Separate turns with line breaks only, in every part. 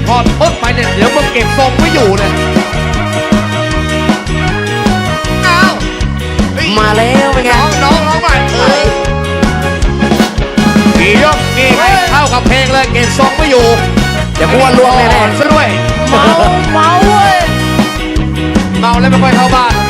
พอทดไปเนี่ยเดี๋ยวมึงเก็บทรงไม่อยู่เลยอ้าว
มาแล้วเป็นไง
น้องใหม่กี่ยกกี่ไม่เข้ากับเพลงเลยเก็บทรงไม่อยู่
เดี๋ยวกูว่าล่วงแน่
ๆซะด้วย
เมาเว้ย
เมาแล้วไม่ค่อยเข้าบ้าน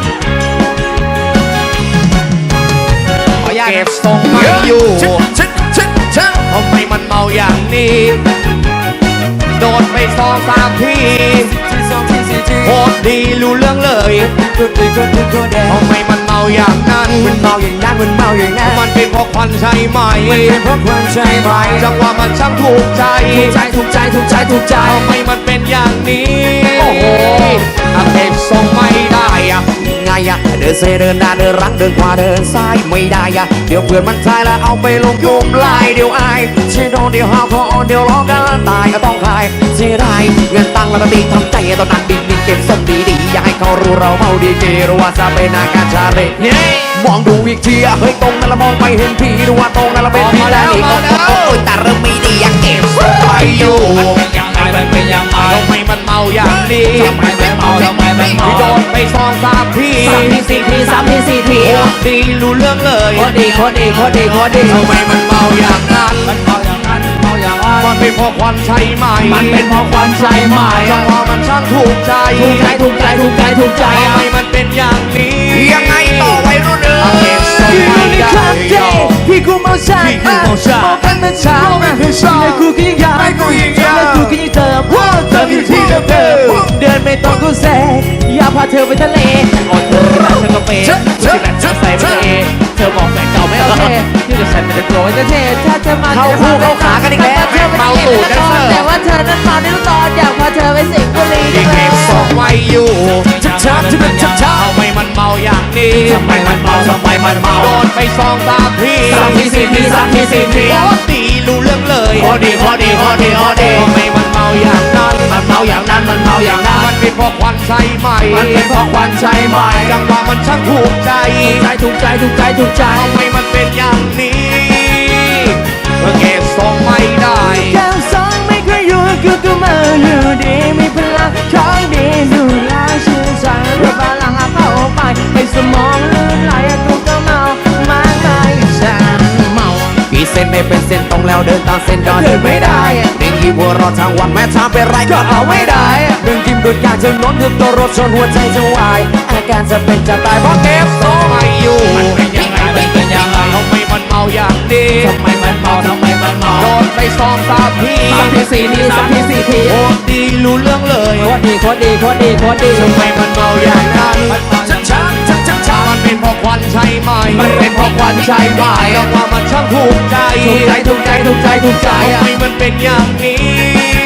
เก็บทรงไม่อยู่ทำไมมันเมาอย่างนี้โดนไป2-3 ทีโคตรดีรู้เรื่องเลยทำไมมันเมาอย่างนั้น
มันเมาอย่างนั้นมันเมาอย่างนั้น
มันเป็นเพราะควันใช่ไหม
มันเป็นเพราะควันใช่ไหม
จังหวะมันช่างถูกใจ
ถูกใจ
ทำไมมันเป็นอย่างนี้
โอ้โห
เก็บทรงไม่ได้อะ
ไงอะเดินเซเดินหน้าเดินรังเดินขวาเดินซ้ายไม่ได้อะเดี๋ยวเพื่อนมันทายแล้วเอาไปลงยุมลายเดี๋ยวอายเชโดนเดี๋ยวหาพอเดี๋ยวร้องกันตายก็ต้องคายเสียดายเงินตังค์แล้วก็ตีทำใจตอนนั้นดินเก็บส่งดีๆอย่าให้เขารู้เราเมาดีเจรู้ว่าจะเป็นอาการชาเร่มองดูอีกทีเฮ้ยตรงนั้นละมองไปเห็นผีดูว่าตรงนั้นละเป็นผีแล้วนี่ก็แต่เริ่มไม่ดีอยากเก็บ
ไปอยู่
มันเป็นยังไง
ทำไมมันเมาอย่างนี้
ทำไมมันเมา
โดนไป2-3 ที
3 ที
โคตรดีรู้เรื่องเลย
โคตรดี
ทำไมมันเมาอย่างนั้น
มันเมาอย่างนั้นเมาอย่างนั้น
มันเป็นเพราะควันใช่ไหม
มันเป็นเพราะควันใช่ไหม
จังหวะมันช่างถูกใจ
ถูกใจ
ทำไมมันเป็นอย่างนี้
ยังไงต่อไว้รุ่นเอ๋ยพี่กูเมาชาเมากันมาเช้าและกูก็ยังอยากและกูก็ยังเติมอยู่ที่เดิมเดินไม่ต้องกูแซ่อยากพาเธอไปทะเล
อ่อนเธอรักฉันก็เป็นที่แหลกใส่ไปเลยเธอบอกแฟนเก่าไม่โอเคที่จะฉันไม่ได้โกรธจะเทถ้าเธอมา
เข้าคู่เข้าขากันอีกแล้ว
เมาตูดกัน
แต่ว่าเธอนั้นเมาในตอนอยากพาเธอไปสิงห์บุรี
ยังเก็บทรงไว้อยู่
ช้า
ทำไมมันเมาอย่างนี้
ทำไมมันเมา
โดนไป2-3 ที
3 ที
โคตรดีรู้เรื่องเลย
พอดี
ทำไมมันเมาอย่างนั้น
มัน
เป็นเพราะควันใช่ไหม
มันเป็นเพราะควันใช่ไหม
จังหวะมันช่างถูกใจ
ถูกใจ
ทำไมมันเป็นอย่างนี้เก็บทรงไม่ได้
แก้วสองไม่เคยอยู่ก็มาอยู่ดีมีพลังของดีดูแลชื่นใจพลังเข้าไปให้สมองลื่นไหลกูก็เมามากมายฉันเมาพี่เส้นไม่เป็นเส้นตรงแล้วเดินตามเส้นก็เดินไม่ได้เด็กที่หัวเราะทั้งวันแม้ทำเป็นไรก็เอาไม่ได้เรื่องกินดุดยาจนล้นถึงตัวรถชนหัวใจจะวายอาการจะเป็นจะตายเพราะเก็บทรง
ไม่อยู่
มันเป็นยังไงทำไม
มันเมาอย่างนี้
ทำไมมันเมา
โดนไป2-3 ที
3 ที
โคตรดีรู้เรื่องเลย
โคตรดี
ทำไมมันเมาอย่างนั้น
ช้า
มันเป็นเพราะควันใช่ไหม
มันเป็นเพราะควันใช่ไหม
จังหวะมันช่างถูกใจทำไมมันเป็นอย่างนี้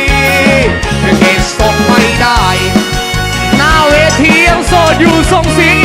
เก็บทรงไม่ได้
หน้าเวทียังโสดอยู่ส่งเสียง